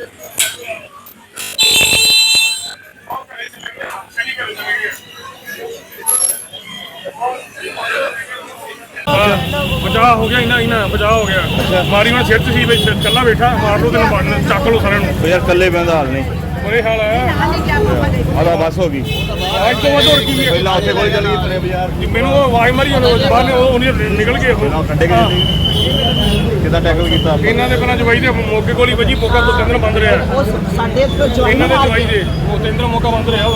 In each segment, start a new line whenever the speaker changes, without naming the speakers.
बचाव हो गया इना बचाव हो गया। मारी मैं सिर सी कला बैठा मार लो तेन मारना चक लो सारे
यार कल्ले बंद हाल नहीं
बुरे हाल है।
आधा बस हो गई
आज तो वध की
पहला उसे कोई चल गई पूरे बाजार
मैंने आवाज मारी बाहर निकल गए
कितना टैकल किया
इन्हों के पहला जवाई दे मौके को ही वजी मौका तो केंद्र बंद रहा इन्हों के जवाई दे केंद्र मौका बंद रहा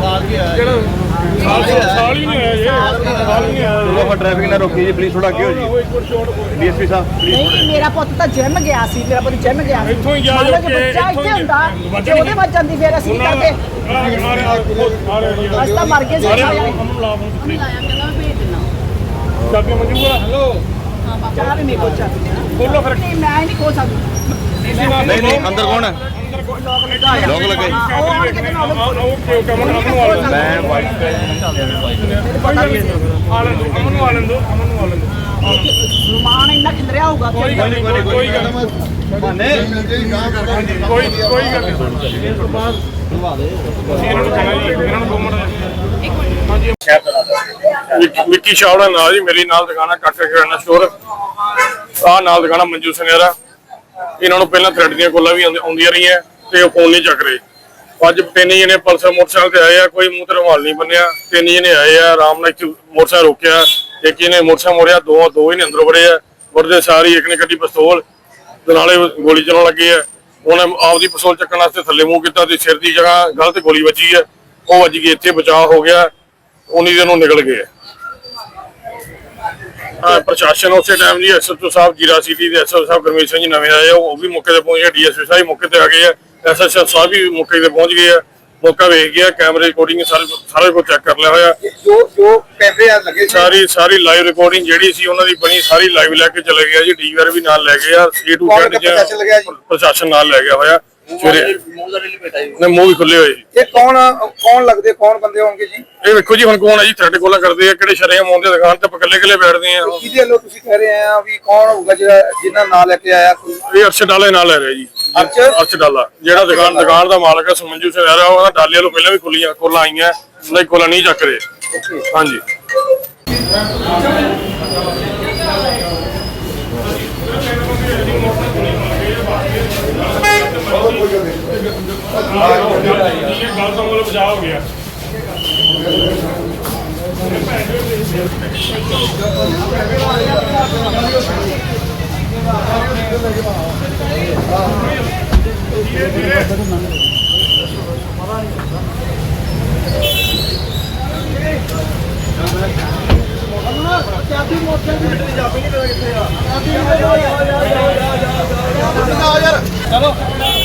साल ही नहीं आया
ट्रैफिक ना रोकी जी प्लीज थोड़ा क्यों जी डीएसपी साहब
नहीं मेरा पुੱਤ ਤਾਂ ਜਿਮ ਗਿਆ ਸੀ ਮੇਰਾ ਪੁੱਤ ਜਿਮ ਗਿਆ ਸੀ
ਇੱਥੋਂ ਹੀ ਗਿਆ
ਬੱਚਾ ਇੱਥੇ ਹੁੰਦਾ ਤੇ ਉਹਦੇ ਵੱਜ ਜਾਂਦੀ ਫਿਰ ਅਸੀਂ ਕਰਦੇ ਅਸੀਂ ਤਾਂ ਮਰ ਗਏ ਸੀ
ਚਾਬੀ ਮਨਜੂਰ ਹੈਲੋ
ਚਾਹ ਵੀ ਮੇਰੇ ਕੋਲ ਚਾਬੀ
ਬੋਲੋ ਫਿਰ
ਨਹੀਂ ਮੈਂ ਨਹੀਂ ਖੋ ਸਕਦੀ
नहीं नहीं अंदर कौन है लोग लगे मैं वाइट
रुमान इन्ना खिलरिया होगा
कोई गल विक्की छावड़ा नाल जी मेरी नाल दुकान है काका किराना स्टोर आ नाल दुकान मंजू सनेरा इन्होंने पहला थ्रेड दी कॉल भी आउंदियां रही ते फोन नहीं चक रहे अज तीन जने पल्सर मोटरसाइकिल ते आए कोई मुंह ते रुमाल नहीं बनिया तीन जने आए आराम नाल मोटरसाइकिल रोकया एक ने मोटरसाइकिल मोड़िया दो ही ने अंदरों वड़े वड़दे सारी एक ने कड्डी पिस्तौल नाले गोली चलाउण लगे उन्हें आपदी पिस्तौल चक्कण वास्ते थल्ले मूंह कीता ते सिर दी जगह गलत गोली वजी है वो वज गई इत्थे बचाव हो गया उन्हीं दिनों निकल गए। प्रशासन उस टाइम जी SHO साहब जीरा सिटी के SHO साहब गुरमीत सिंह जी नवे आए वो भी मौके पर पहुंच गए DSP साहब मौके पर आ गए SHO साहब भी मौके पर पहुंच गए मौका वेख गया कैमरे रिकॉर्डिंग सारे को चेक कर लिया होया
जो कैमरे लगे
सारी लाइव रिकॉर्डिंग जेडी सी उन्हां दी बनी सारी लाइव लेके चले गया जी DVR भी नाल ले गया A to Z प्रशासन नाल ले गया होया ਸਵੇਰੇ ਨੇ ਮੂੰਹ ਵੀ ਖੁੱਲੇ ਹੋਏ
ਇਹ ਕੌਣ ਲੱਗਦੇ ਕੌਣ ਬੰਦੇ ਹੋਣਗੇ ਜੀ
ਇਹ ਵੇਖੋ ਜੀ ਹੁਣ ਕੌਣ ਹੈ ਜੀ ਥ੍ਰੈਡ ਕੋਲਾਂ ਕਰਦੇ ਆ ਕਿਹੜੇ ਸ਼ਰੇਆਮ ਆਉਂਦੇ ਦੁਕਾਨ ਤੇ ਇਕੱਲੇ ਬੈਠਦੇ ਆ
ਕਿਹਦੇ ਵੱਲੋਂ ਤੁਸੀਂ ਕਹਿ ਰਹੇ ਆ ਵੀ ਕੌਣ ਹੋਊਗਾ ਜਿਹੜਾ ਜਿੰਨਾ ਨਾਂ ਲੈ ਕੇ ਆਇਆ ਕੋਈ
ਇਹ ਅਰਸ਼ਦ ਡਾਲੇ ਨਾਲ ਲੈ ਰਿਹਾ ਜੀ ਅਰਸ਼ਦ ਡਾਲਾ ਜਿਹੜਾ ਦੁਕਾਨ ਦਾ ਮਾਲਕ ਹੈ ਸਮੰਜੂ ਸਿੰਘ ਰਹਿ ਰਿਹਾ ਉਹਦਾ ਡਾਲੇ ਵੱਲੋਂ ਪਹਿਲਾਂ ਵੀ ਕੋਲਾਂ ਆਈਆਂ ਨਹੀਂ ਕੋਲਾਂ ਨਹੀਂ ਚੱਕ ਰਹੇ ਹਾਂਜੀ गल तो मतलब बचाव हो गया चलो